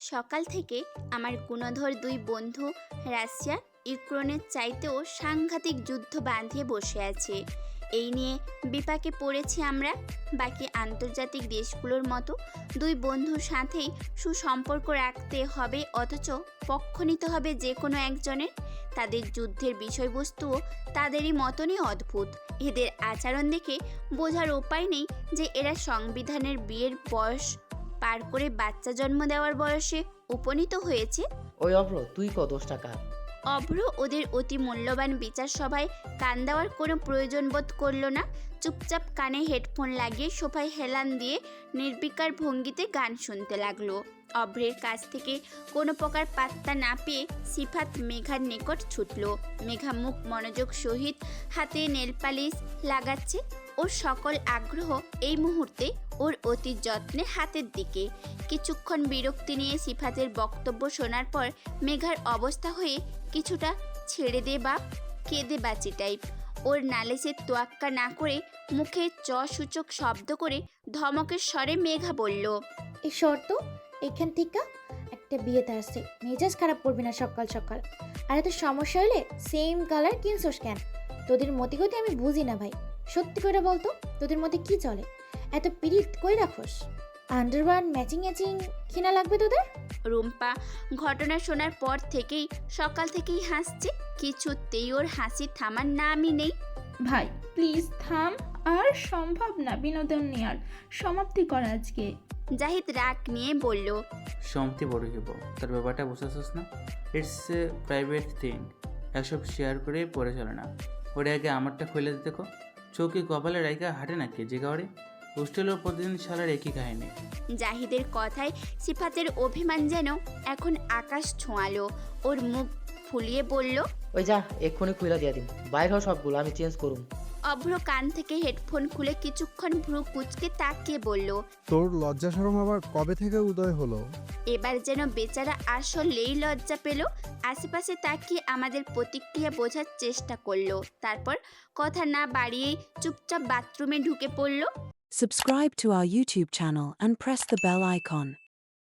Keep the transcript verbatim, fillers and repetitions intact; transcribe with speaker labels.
Speaker 1: সকাল থেকে আমার গুণধর দুই বন্ধু রাশিয়া ইউক্রেনের চাইতেও সাংঘাতিক যুদ্ধ বাঁধিয়ে বসে আছে। এই নিয়ে বিপাকে পড়েছি আমরা। বাকি আন্তর্জাতিক দেশগুলোর মতো দুই বন্ধুর সাথেই সুসম্পর্ক রাখতে হবে, অথচ পক্ষ নিতে হবে যে কোনো একজনের। তাদের যুদ্ধের বিষয়বস্তুও তাদেরই মতনই অদ্ভুত। এদের আচরণ দেখে বোঝার উপায় নেই যে এরা সংবিধানের বিয়ের বয়স পার করে বাচ্চা জন্ম দেওয়ার বয়সে উপনীত হয়েছে।
Speaker 2: ওই অভ্র, তুই ক দোষ টাকা।
Speaker 1: অভ্র ওদের অতি মূল্যবান বিচার সভায় কান দেওয়ার কোনো প্রয়োজন বোধ করল না। চুপচাপ কানে হেডফোন লাগিয়ে সোফায় হেলান দিয়ে নির্বিকার ভঙ্গিতে গান শুনতে লাগলো। অভ্রের কাছ থেকে কোনো প্রকার পাত্তা না পেয়ে সিফাত মেঘার নিকট ছুটল। মেঘা মুখ মনোযোগ সহিত হাতে নেলপালিশ লাগাচ্ছে। ওর সকল আগ্রহ এই মুহূর্তে ওর অতি যত্নে হাতের দিকে। কিছুক্ষণ বিরক্তি নিয়ে সিফাতের বক্তব্য শোনার পর মেঘার অবস্থা হয়ে কিছুটা ছেড়ে দে বা কেঁদে বাঁচি টাইপ। ওর নালিশের তোয়াক্কা না করে মুখে চ সূচক শব্দ করে ধমকের স্বরে মেঘা বলল,
Speaker 3: এই শর্ত এখান থেকে একটা বিয়েতে আসছে, মেজাজ খারাপ করবি না সকাল সকাল। আর এত সমস্যা হলে সেম কালার কিনছোস কেন? তোদের মতি গতি আমি বুঝি না ভাই, সত্যি করে বলতো তোদের মধ্যে কি চলে? এত পিরিত কই রাখোস? আন্ডারওয়ার ম্যাচিং ম্যাচিং কিনা লাগবে তোদের?
Speaker 1: রুম্পা ঘটনা শোনার পর থেকেই সকাল থেকেই হাসছে। কিছুতেই ওর হাসি থামার নামই নেই।
Speaker 4: ভাই প্লিজ থাম, আর সম্ভব না বিনোদন নেওয়ার, সমাপ্তি কর আজকে।
Speaker 1: জাহিদ রাগ নিয়ে বলল,
Speaker 5: সম্মতি বড় হইব, তার ব্যাপারটা বুঝতেছিস না? ইটস এ প্রাইভেট থিং, এসব শেয়ার করে পড়ে চলে না। ওরে আগে আমারটা খুলে দিতে কো। চৌকি কপালে রাইকা হাঁটে নাকি যে গাওয়ারে? হোস্টেলেও প্রতিদিন সালার একই কাহিনী।
Speaker 1: জাহিদের কথায় সিফাতের অভিমান যেন এখন আকাশ ছোঁয়ালো। ওর মুখ ফুলিয়ে বলল,
Speaker 2: ওই যা, এক্ষুনি খুইলা দিয়া দিন। বাইর হও সবগুলো, আমি চেঞ্জ করুম।
Speaker 1: অভ্র কান থেকে হেডফোন খুলে কিছুক্ষণ ভ্রু কুচকে তাকিয়ে বলল,
Speaker 6: তোর লজ্জা শরম আবার কবে থেকে উদয় হলো?
Speaker 1: এবার যেন বেচারা আসলেই লজ্জা পেল। আশেপাশে তাকিয়ে আমাদের প্রতিক্রিয়া বোঝার চেষ্টা করলো। তারপর কথা না বাড়িয়েই চুপচাপ বাথরুমে ঢুকে পড়ল।
Speaker 7: Subscribe to our YouTube channel and press the bell icon.